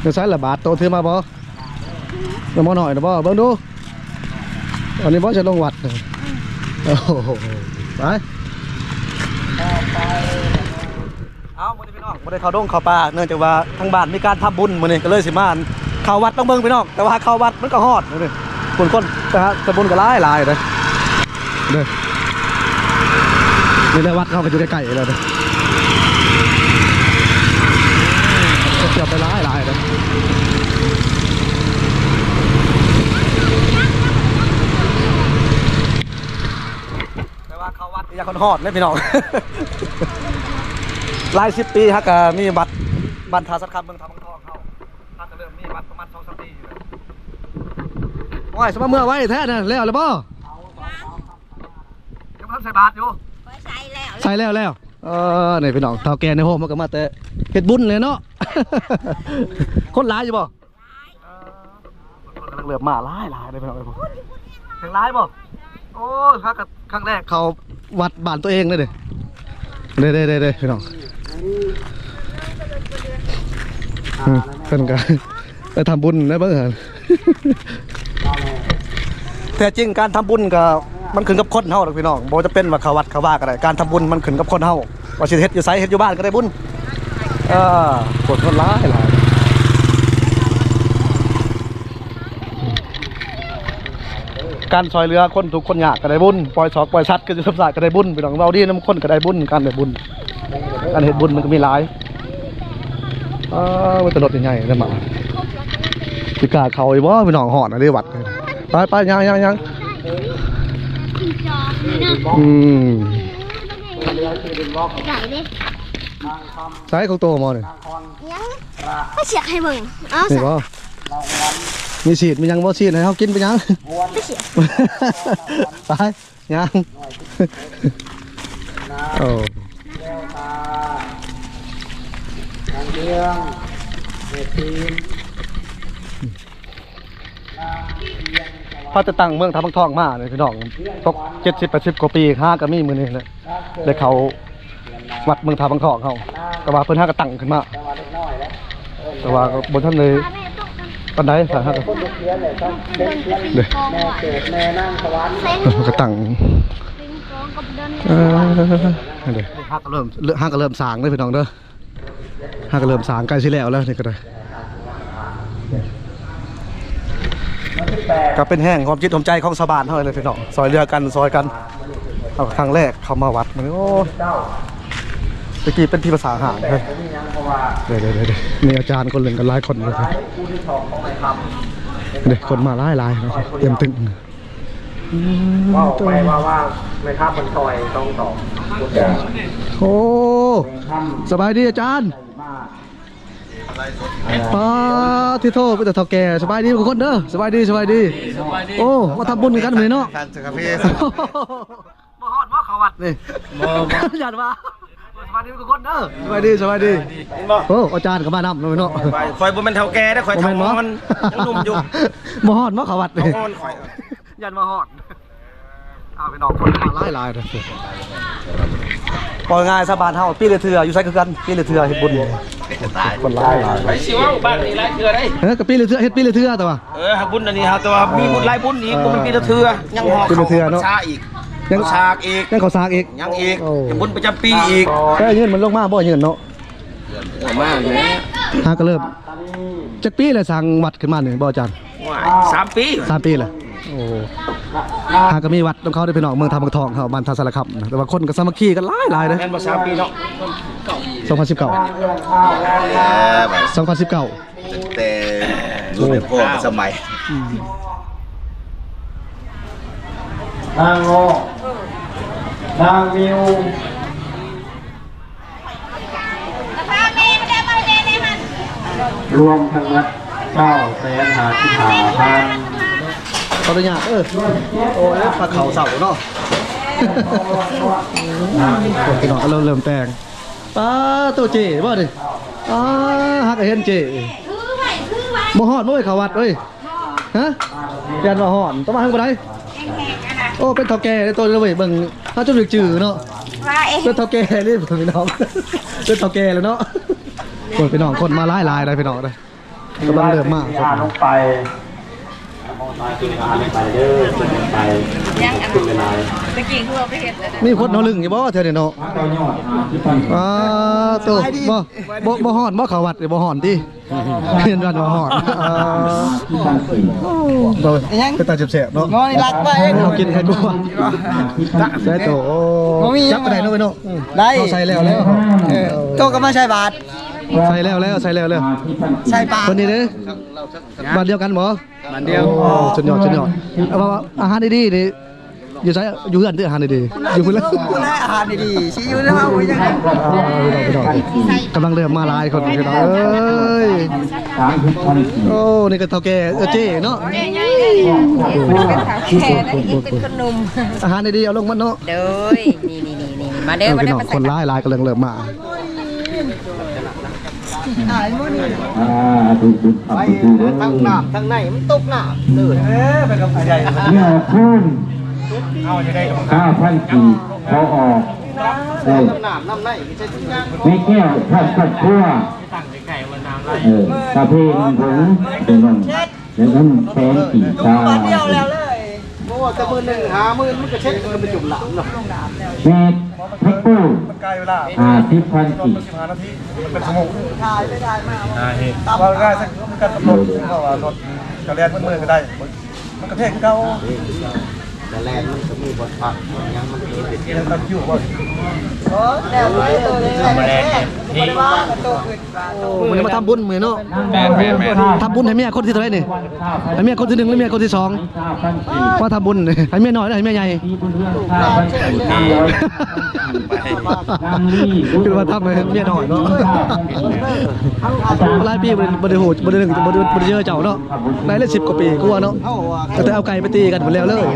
เดี๋ยวใช้ละบาทโตถือมาบ่น้ำมันหน่อยนะบ่เบิ่งดูอันนี้บ่จะลงวัดโอ้โหไปเอามื้อนี้พี่น้องบ่ได้เข้าดงเข้าป่าเนื่องจากว่าทางบ้านมีการทำบุญมื้อนี้ก็เลยสิมาเข้าวัดต้องเบิ่งพี่น้องแต่ว่าเข้าวัดมันก็ฮอดนี่คนนะฮะทำบุญก็หลายเด้อเด้อนี่แหละวัดเขาก็อยู่ใกล้ๆแล้วเด้อเกือบไปหลายเด้อแต่ว่าเข้าวัดอยากคนฮอดเลยพี่น้องหลาย10 ปีฮะก็มีบัตรบรรทาสักคำเมืองทำเมืองทองเข้าฮะก็เริ่มมีบัตรประมาณ2-3 ปีอยู่แล้วโอ้ยสมมติเมื่อไว้แท้น่ะแล้วหรือเปล่ายังไม่ทันใส่บาตรอยู่ใส่แล้วนี่พี่น้องเท่าแก่ในโฮมมันก็มาแต่เฮ็ดบุญเลยเนาะ คนร้ายอยู่บ่คนกำลังเหลือบมาร้ายเลยพี่น้องเลยถึงร้ายบ่โอ้ยครั้งแรกเขาวัดบ้านตัวเองเลยเด้พี่น้องเพิ่นก็ไปทำบุญได้บ้างเหรอแต่จริงการทำบุญก็มันขึ้นกับคนเฮาหรอกพี่น้องบ่จะเป็นว่าเขาวัดเขาว่าก็ได้การทำบุญมันขึ้นกับคนเฮาว่าสิเฮ็ดอยู่ไสเฮ็ดอยู่บ้านก็ได้บุญคนร้ายการซอยเรือคนทุกคนยากก็ได้บุญปล่อยศอกปล่อยชัดก็จะสับสายก็ได้บุญพี่น้องเราดีน้ำคนก็ได้บุญการได้บุญการเฮ็ดบุญมันก็มีหลายมันตลอดใหญ่ๆนั่นมาพี่กาเขาไอ้บ่พี่น้องหอดอะไรวัดไปยังใช้ของโตมาเนี่ยไม่เสียให้มึงนี่บ่มีฉีดมียังบ่ฉีดให้เขากินไปยังไม่เสียไปยังโอ้พอจะตั้งเมืองทำบังทองมาเลยพี่น้องตก70-80 กว่าปีห้าก็มีมือนี่แหละเลยเขาวัดเมืองทำบังทองเขาแต่ว่าเพิ่นห้าก็ตั้งขึ้นมาแต่ว่าบนท่านเลยปันไดสาหัสเลยก็ตั้งเลยห้าก็เริ่มสางเลยพี่น้องเด้อห้าก็เริ่มสางใกล้สิแล้วนี่ก็ได้ก็เป็นแห้งความจิตความใจของชาวบ้านเท่านั้นเลยพี่น้องซอยเรือกันซอยกันเอาครั้งแรกเข้ามาวัดมันโอ้ตะกี้เป็นที่ภาษาหางเลยเดี๋ยวมีอาจารย์คนหนึ่งกันหลายคนเลยเด็กคนมาหลายเนาะเตรียมตึงว่าไม่ข้ามมันซอยต้องต่อโอ้สบายดีอาจารย์ที่โทษเป็นแต่เท่าแก่สบายดีทุกคนเด้อสบายดีโอ้มาทำบุญกันเหมือนเนาะมาฮอดมาเขาวัดนี่หยาดมาสบายดีทุกคนเด้อสบายดีโอ้อาจารย์ก็มานำเนาะคอยบุญเป็นเท่าแก่ได้คอยทำมันนุ่มอยู่มาฮอดมาเขาวัดนี่หยาดมาฮอดไปนอกคนมาหลายเลยปล่อยง่ายสบานเฮาปีละเทื่ออยู่ไสคือกันปีละเทื่อเฮ็ดบุญคนหลายไปสิว่าบ้านนี้หลายเทื่อได้กับปีละเทื่อเฮ็ดปีละเทื่อแต่ว่าบุญอันนี้ฮะแต่ว่ามีบุญหลายบุญอีกบ่เป็นปีละเทื่อยังหอกเขาชาอีกยังชากอีกยังเขาซากอีกยังอีกบุญประจำปีอีกแต่เงินมันลงมาบ่เงินเนาะมากเลยฮะก็เริ่มจักปีแล้วสร้างวัดขึ้นมานี่บ่อาจารย์ 3 ปีแหละโอ้หาก็มีวัดของเขาได้พี่น้องเมืองทำบังทองเขาบ้านทาสารคามแต่ว่าคนก็สามัคคีกันหลายเลยแม่นบ่3 ปีเนาะ 2019 แต่รุ่นพ่อสมัยนางโงนางมิวรวมทั้งนัด950,000 ขออนุญาตโอ้ยปลาเขาเสาเนาะพี่น้องก็เริ่มแต่งปลาตัวเจ๋บ่ดิฮักเห็นเจ๋บ่ฮอดบ่เขาวัดเอ้ยฮะยันบ่ฮอดต้องมาทางบ่ได้โอ้เป็นเฒ่าแก่ในตัวเลยเบิ่งถ้าจุดจืดเนาะเป็นเฒ่าแก่นี่พี่น้องเป็นเฒ่าแก่แล้วเนาะคนพี่น้องคนมาหลายๆได้พี่น้องได้กำลังเริ่มมากลงไปมองตากินอาหารลงไปเด้อขึ้นไปขึ้นไปไหนตะกี้คือเราไปเห็นแล้วนะมีคนเอาลึงอยู่บ่เธอเนี่ยเนาะก็ยอดที่ปันตัวบ่หอนบ่เขาวัดบ่หอนติเห็นว่าบ่หอนที่ปันสี่บ่เป็นตาเจ็บๆเนาะงอนี่รักไปเอากินให้กูใส่โตจับไปได้เนาะเนาะได้ใส่แล้วโตก็มาใส่บาทใส่แล้วใส่ใส่บาทคนนี้เด้อบาทเดียวกันบ่บาทเดียวสุดยอดเอาว่าอาหารดีๆนี่อยู่ใช้อยู่เฮือนที่อาหารดีๆอยู่เพิ่นแล้วอาหารดีๆสิอยู่แล้วเอาไว้จังกำลังเริ่มมาหลายคนพี่น้องเอ้ยโอ้นี่ก็เฒ่าแก่เจ๊เนาะแม่ใหญ่เลยเป็นสาวแก่นะอีกเป็นคนหนุ่มอาหารดีๆเอาลงมาเนาะเด้อนี่มาเด้อมาพี่เด้น้อองมาคใส่นหลายกำลังเริ่มมาถูกทั้งน้ำทั้งในมันตกน้ำเลยเป็นกำไรใหญ่เนี่ยคุณ5,000 กีบเขาออกน้ำในไม่แก้วทอดขัดคั่วกาแฟผงเป็นนมแล้วก็แป้งสีชาเดียวแล้วเลยเพราะว่าจะมือหนึ่งหามือมันก็เช็ดมันไปจุ่มหลังเนาะเม็ดแพ็คตู้50,000 กีบเป็นสมุกถ่ายไม่ได้มากว่าง่ายสักการกำหนดเพราะว่ารถกระแลนมือก็ได้มันกระเทกเก่าแต่แลนมันก็มีบทพักยังมันมีเรื่องตั้งอยู่บ่แล้วเลยตัวนี้นี่มันจะมาทำบุญมื้อเนาะทำบุญให้เมียคนที่เท่าไหร่นี่ให้เมียคนที่1หรือเมียคนที่2ว่าทำบุญให้เมียน้อยหรือให้เมียใหญ่คือว่าทำให้เมียน้อยเนาะหลายปีบ่ได้โหดบ่ได้เจอเจ้าเนาะได้ละ10กว่าปีกว่าเนาะแต่เอาไก่ไปตีกันหมดแล้วเลย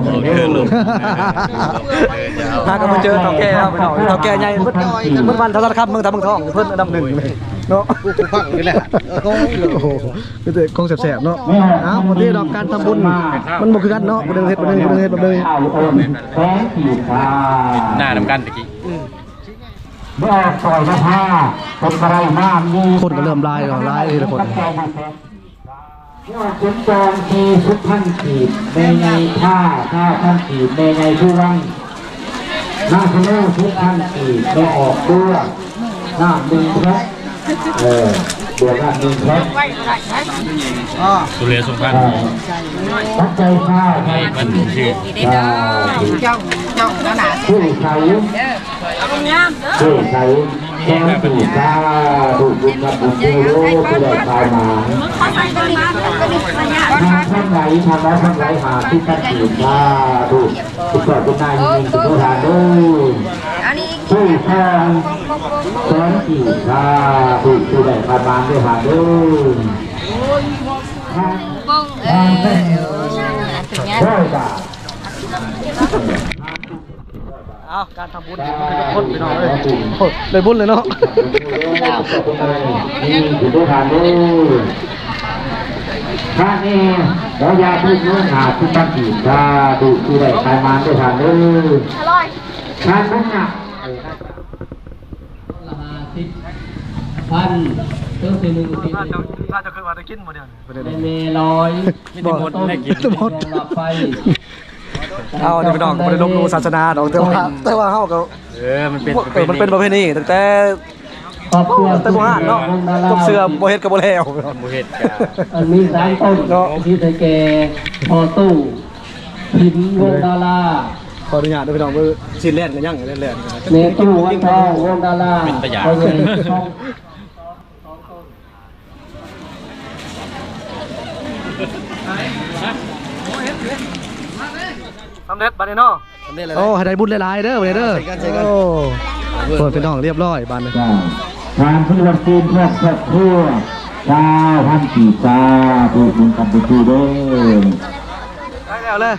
พากันมาเจอเฒ่าแก่ครับเฒ่าแก่ใหญ่เพิ่นวันเท่านั้นครับเมืองตาเมืองทองเพิ่นอันดับ1เลยเนาะกูฟังนี่แหละโอ้โหเป็นแต่คงแสบๆเนาะวันนี้ดอกการทำบุญมันบ่คือกันเนาะบ่ได้เฮ็ดบ่ได้เฮ็ดบ่ได้แป้งสีชาหน้าน้ำกันตะกี้เมื่อปล่อยมาผ้าเป็นอะไรมากมีคนก็เริ่มลายทีละคนเมื่อขุนจองที10,000 กีบในไงผ้า5,000 กีบในไงผู้วังหน้าทะเล10,000 กีบไม่ออกด้วยหน้า1 แพ็คเดือนละ1 แพ็คสุเรียสุพรรณตั้งใจข้าวให้มันชื่อนี่ได้เด้อจ้องแล้วนะผู้ใช้เด้อเอางามเด้อผู้ใช้แก้วผู้ชาผู้บุญกับผู้รู้ผู้ได้ข่าวมาทางท่านไหนทำแล้วท่านไหนหาที่ท่านถือว่าถูกถูกต่อเป็นนายมีผู้ทานด้วยอันนี้ผู้แทนแสนกี่ชาถูกผู้ได้ข่าวมาด้วยหาด้วยบ้งถึงเงี้ยได้จ้ะอ้าวการทำบุญทุกคนพี่น้องเลยบุญเลยเนาะนี่ถือผู้ทานด้วยท่านนี้เราอยากพูดเรื่องหาที่ตั้งกี่ชาถูกผู้ได้ข่าวมาด้วยหาด้วยท่านนั้นน่ะพันเครื่อง1 ถ้าจะเคยมาได้กินบ่เดี๋ยวเมลอยบ่ได้กินหมดหลับไฟเอาพี่น้องบ่ได้ลบหลู่ศาสนาดอกแต่ว่าเฮาก็มันเป็นประเพณีตั้งแต่ครอบครัวแต่บ่ฮานเนาะกับเสื้อบ่เฮ็ดก็บ่แล้วบ่เฮ็ดกะมี3 ต้นเนาะที่ไทยแกพอตู้หินวงดาราขออนุญาตด้วยพี่น้องเบิ่งสิเล่นกันยังเล่นเนตู้วันทองวงดาราเขาใหญ่ช่องสำเร็จบัดนี้เนาะสำเร็จแล้วโอ้ให้ได้บุญหลายๆเด้อบัดนี้เด้อโอ้คนพี่น้องเรียบร้อยบัดนี้ทานพุทธวันจีนเพื่อครอบครัว9,000 กีบชาถูกบุญกับบุญด้วยแล้วเลย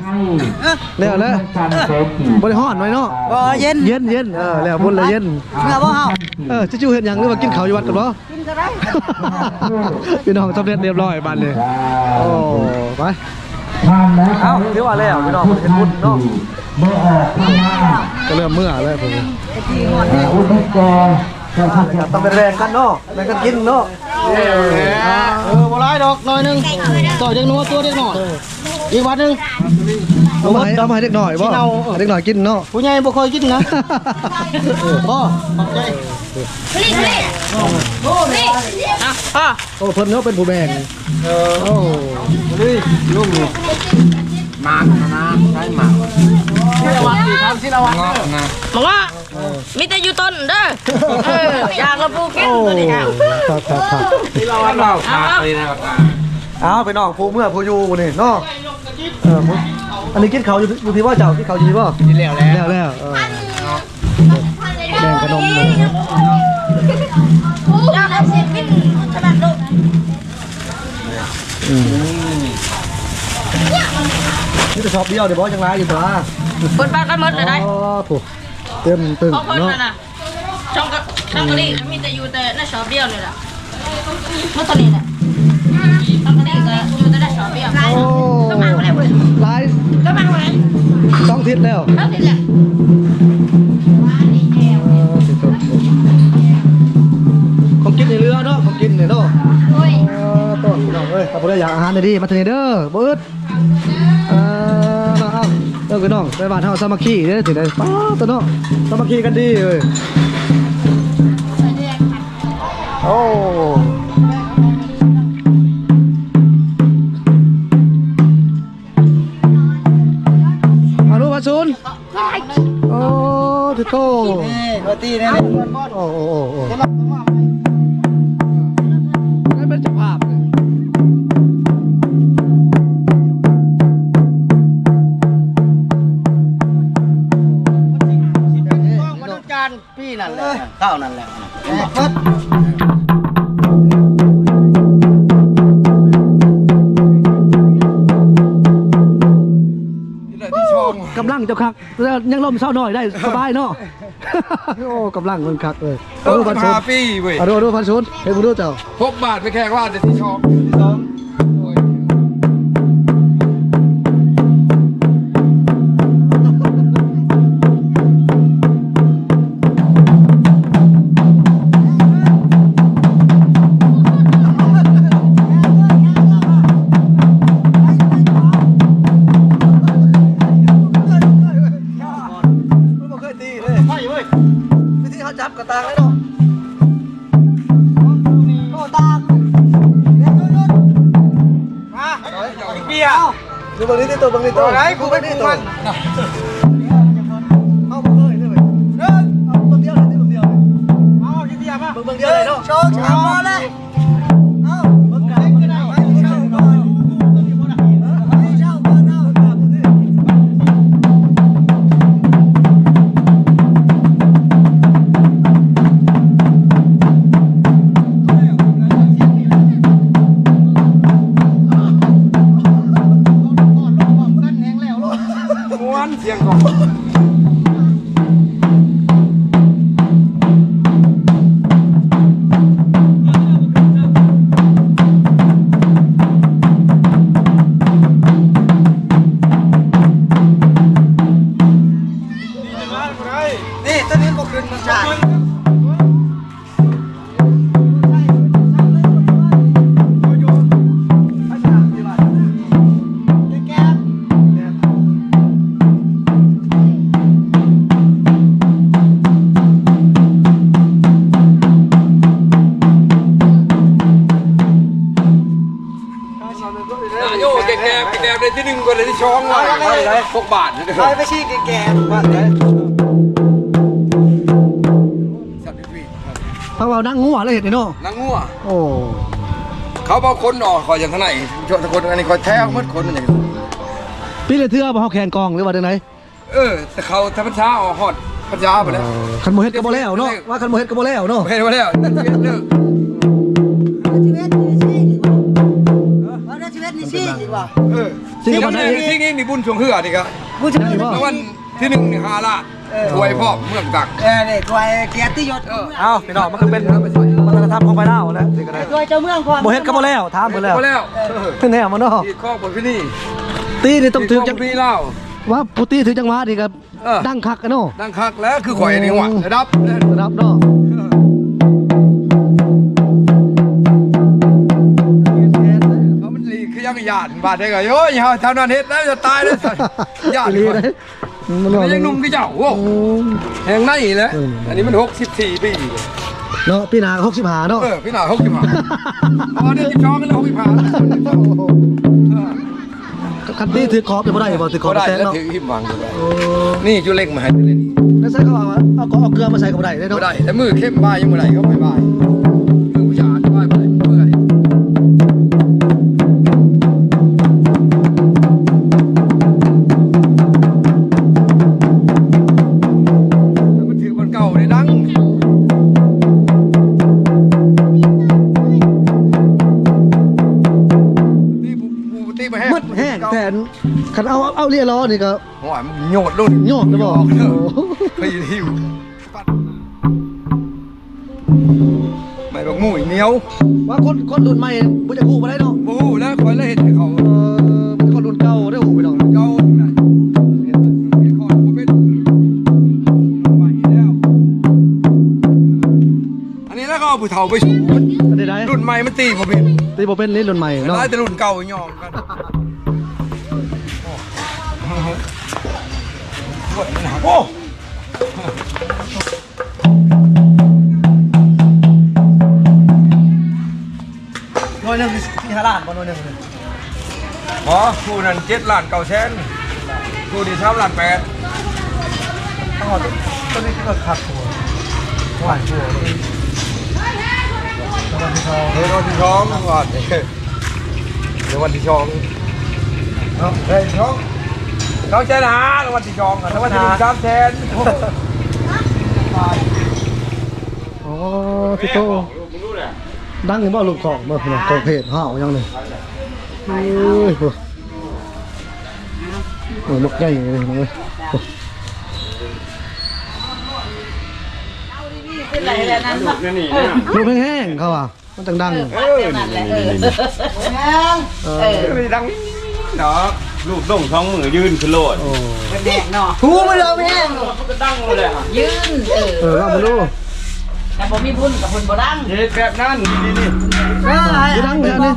บริหารไว้เนาะเย็นแล้วบุญเลยเย็นจะจู่เห็นยังหรือว่ากินข้าวอยู่วัดกันบ่กินก็ได้พี่น้องสำเร็จเรียบร้อยบ้านเลยโอ้ไปเอ้าเรียกว่าแล้วพี่น้องเห็นบุญเนาะเมื่อออกข้างหน้าก็เริ่มเมื่อเลยผมอุดมแกต้องเป็นแรงกันเนาะแรงกันกินเนาะอกหน่อยนึงต่อเด็กนัวตัวเด็กหน่อยอีกวันนึงเอามาให้เด็กหน่อยบ่เด็กหน่อยกินเนาะผู้ใหญ่บ่ค่อยกินนะพ่อขอบใจโอ้เพิ่นเนาะเป็นผู้แบ่งโอ้นี่ลุงนี่มากนะใช่มากที่ระวังสิครับที่ระวังนะบอกว่ามีแต่อยู่ต้นเด้ออยากระปูกินตัวนี้ค่ะครับที่ระวังเราขาดเลยนะครับเอาไปน้องผู้เมื่อผู้อยู่นี่เนาะอันนี้กินเขาอยู่พี่ว่าเจ้ากินเขาอยู่พี่ว่าที่แล้วแล้วแบ่งขนมเลยเราได้เสร็จเป็นขนาดลูกนี่จะชอบเดียวเดี๋ยวบอกจังไรอยู่ตัวเปิดบ้านกันหมดเลยได้อ๋อถูกเต็มตึงเพราะคนเนาะน่ะช่องกะลีมีแต่อยู่แต่ในช็อปเดียวเลยล่ะเมื่อตอนนี้แหละช่องกะลีก็อยู่แต่ในช็อปเดียวโอ้ก็มาเลยเว้ยลายก็มาเลยต้องทิศแล้วเท่านี้แหละของกินในเรือเนาะของกินเนี่ยเนาะโอ้ยต้นน้องเอ้ยถ้าบ่ได้อยากอาหารดีมาเทเด้อบ่อึดมาเอาเด้อพี่น้องไปบ้านเฮาสามัคคีเด้อสิได้ป้าตัวเนาะสามัคคีกันดีเอ้ยโอ้อนุพัชนโอ้ทิโตปาร์ตี้เนี่ยโอ้นั่นเป็นเจ้าภาพเลยมาดูจานพี่นั่นแหละข้าวนั่นแหละเปิดกำลังเจ้าคักแล้วยังล่มเศร้าหน่อยได้สบายเนาะ โอ้กำลังมันคักเลยเอาดูพันชุนปีเว้ยเอาดูพันชุนเฮ้ยมึงดูเจ้า 6 บาทไปแค่ว่าจะที่ชอบไม่เคยตีเลยไม่เว้ยวิธีเขาจับกระตางเลยเนาะโอ้ตางเบียร์ดูบางนี้ที่ตัวบางนี้ตัวไหนกูไม่กูมันเอาบางเลยด้วยเอาบางเดียวเลยที่บางเดียวเลยเอาที่เดียวป่ะบางเดียวเลยเนาะโชว์ช้ามาเลยเอาบางกันก็ได้เช่าก่อนเช่าก่อนเอาม้วนเสียงของนี่ตัวนี้ก็ขึ้นมาจ่ายโยแกได้ที่1ก็ได้ที่2เลย6 บาทไปชี้แก่ๆบ้านเลยเพราะว่านั่งงัวเลยเห็นเนาะนางงัวโอ้เขาบอกคนออกคอยอย่างเท่าไหร่โจทย์คนอันนี้คอยแท้มืดคนมันอย่างพี่เลยเทือบ่เฮาแขนกองหรือว่าจังได๋แต่เขาธรรมชาออกฮอดพัทยาไปแล้วคันบ่เฮ็ดก็บ่แล้วเนาะว่าคันบ่เฮ็ดก็บ่แล้วเนาะเห็นมาแล้วเลิกสิ่งที่บ่ได้นี่มีบุญช่วงเฮือนี่ครับผู้ชายแล้ววันที่1นี่5 ล้านถวยพ่อเมืองตักนี่ถวยเกียรติยศเอ้าพี่น้องมันก็เป็นวัฒนธรรมของไปลาวนะสิก็ได้ถวยเจ้าเมืองความบ่เฮ็ดก็บ่แล้วถามเพิ่นแล้วมาแล้วแน่มาเนาะที่ข้อบนพี่นี่ตีนี่ต้องถือจังพี่เล่าว่าผู้ตีถือจังหวะนี่ก็ดังคักอะเนาะดังคักแล้วคือข่อยนี่หว่าระดับระดับเนาะเงหยาดบาดได้ก็โอ้ยเฮาทำนั่นเฮ็ดแล้วจะตายแล้วหยาดอีหลีเลยมันบอกยังหนุ่มคือเจ้าโอ้แหงในแหละอันนี้มัน64ปีเนาะพี่นา65เนาะพี่หน้า65อ๋อนี่12กันแล้ว65 คันตี้ถือคอปจะบ่ได้บ่ถือคอปได้แซงแล้วเนาะถือหิมวางด้วยนี่จุเล็กมาให้เลยนี่แล้วใส่เขาเอาเกลือมาใส่ก็บ่ได้เนาะบ่ได้แต่มือเข้มบ้ายังบ่ได้เขาไปบ้ามือผู้ชายบ้าบ่ได้เมื่อยมันถือคนเก่าได้ดังตีไปแห้งมัดแห้งแต่คันเอาเรียล้อนี่ก็หัวมันโยดลุ่นโยกได้บ่ไปหิวไม่บอกหมูเหนียวว่าคนรุ่นใหม่บ่จะฮู้บ่ได้เนาะบูแล้วคอยเลยเห็นเขาเป็นคนรุ่นเก่าได้ฮู้ไปเนาะเก่าได้เห็นคอยเป็นใหม่แล้วอันนี้แล้วก็เอาผู้เฒ่าไปสูอันนี้ได้รุ่นใหม่มันตีผมเป็นตีบ่เป็นนี่รุ่นใหม่เนาะได้แต่รุ่นเก่ายอมกันโอ้หน่วยนึงมี5ล้านบ่หน่วยนึงหมอคู่นั้น7 ล้าน 9 แสนคู่ที่3 ล้าน 8 ทั้งหมดต้นนี้ก็ขาดหัวหวานหัวเลยเดี๋ยววันที่สองก่อนเดี๋ยววันที่สองเอาเฮ้ยสอง2 แสนหาแล้ววันที่สองแล้ววันที่3 แสนอ๋อพี่โตดังอยู่บ่ลูกของบ่พี่น้องของเพจห้าวยังเลยโอ้ยโอ้ยนกใหญ่เลยน้องเอ้ยเป็นไรแล้วนั่นวะลูกแห้งๆเขาอ่ะมันจังดังนั่นแหละไม่ดังเนาะลูกด่งท้องมือยืนขึ้นโลดโอ้แดงเนาะทูมาเลยแม่งก็ตั้งเลยอ่ะยืนว่ามาดูแต่ผมมีบุญกับบุญบ่ดังเฮ็ดแบบนั้นนี่จะดังแค่นี้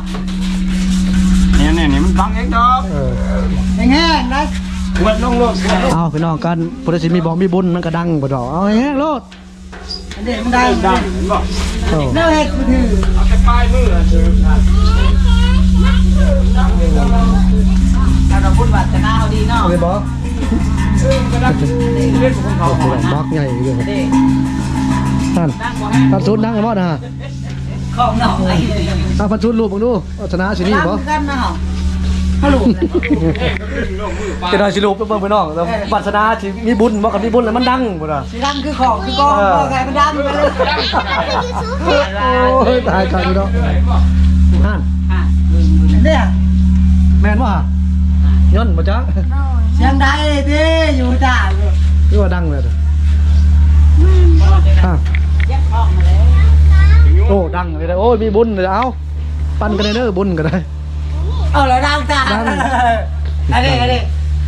นี่มันตั้งเองดอกแห้งนะวัดลงโลดเอาพี่น้องกันพุทธศิลป์มีบอกมีบุญมันก็ดังบ่ดอกเอาแห้งๆโลดเด็กมันได้ดังบ่โอ้เน่าเฮ็ดกูถือเอาแต่ปลายมือถือแต่เราบุญวัฒนาเขาดีเนาะเอาไปบอกเล่นของเขาบอกใหญ่เลยเด็กท่านดังกว่าท่านชุดดังกันบ่นะฮะของหน่อยถ้าพันชุดรูปมึงดูชนะชินี่บ่กันนะเหรอฮัลโหลจะได้สิรูปเบิ่งพี่น้องแล้วปัสนาสิมีบุญบ่กับมีบุญแล้วมันดังบ่ล่ะสีดังคือของคือกองก็แค่มันดังไปเลยโอ้ยตายกันพี่น้องท่านเนี่ยแม่นบ่ย้อนบ่จ๊ะเสียงได้ดิอยู่จ้าคือว่าดังเลยอ่ะแยกห้องมาแล้วโอ้ดังเลยโอ้ยมีบุญเลยเอาปั้นกันเด้อบุญก็ได้เอาแล้วดังจ้าอะไร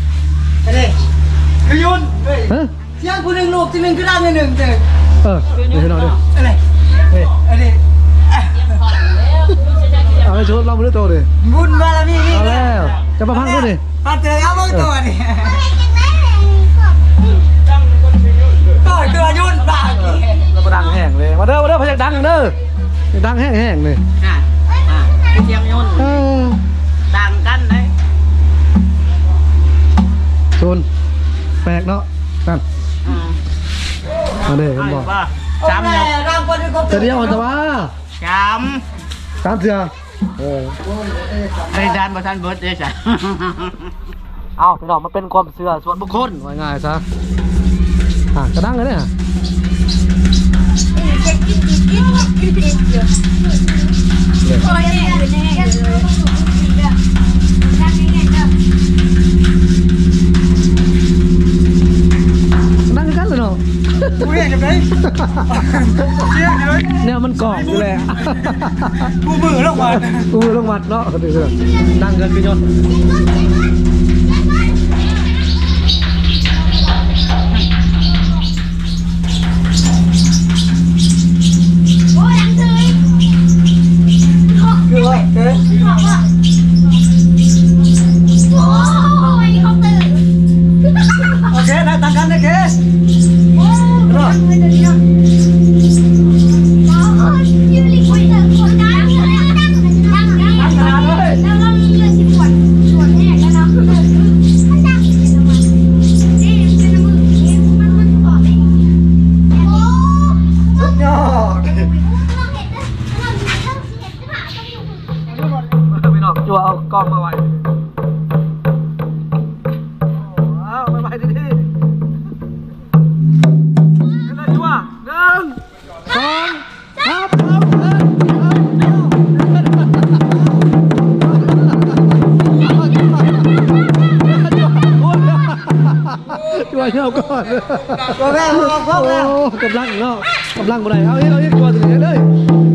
คือยุ่นฮะเสียงกูหนึ่งลูกที่หนึ่งคือดังหนึ่งเด้อเดี๋ยวพี่น้องดิอะไรอะไรเอาให้ชุดเราบ่ได้โตดิบุญบารมีนี่เอาแล้วจะมาพังดูดิปัดเจอเอาเบิ่งตัวนี่ก็ตัวยุ่นบ้าเราก็ดังแห้งเลยมาเด้อพยักดังเด้อดังแห้งเลยเสียงยุ่นดังกันเลยชุนแปลกเนาะนั่นมาเด้อผมบอกจำเนี่ยดังกว่าที่เขาจะเดียวแต่ว่าจตามเถื่อำไอ้ดันประธานเบิร์ดเด้จ้ะเอาพี่น้องมาเป็นความเชื่อส่วนบุคคลว่าง่ายซะกระดังเลยเนี่ยดังกันเลยเนาะกูเรียกยังไงเชี่ยเลยเนี่ยมันกล่องอยู่แหละกูมือลงมากูลงมัดเนาะดังกันพี่ยนต์คือว่าจั่วเอากล้องมาไว้เอาไปดีๆเลยจั่ว1 จั่วเช่าก่อนตัวแม่พ่อแล้วกำลังเนาะกำลังบ่ได้เอาอีกตัวถึงเลย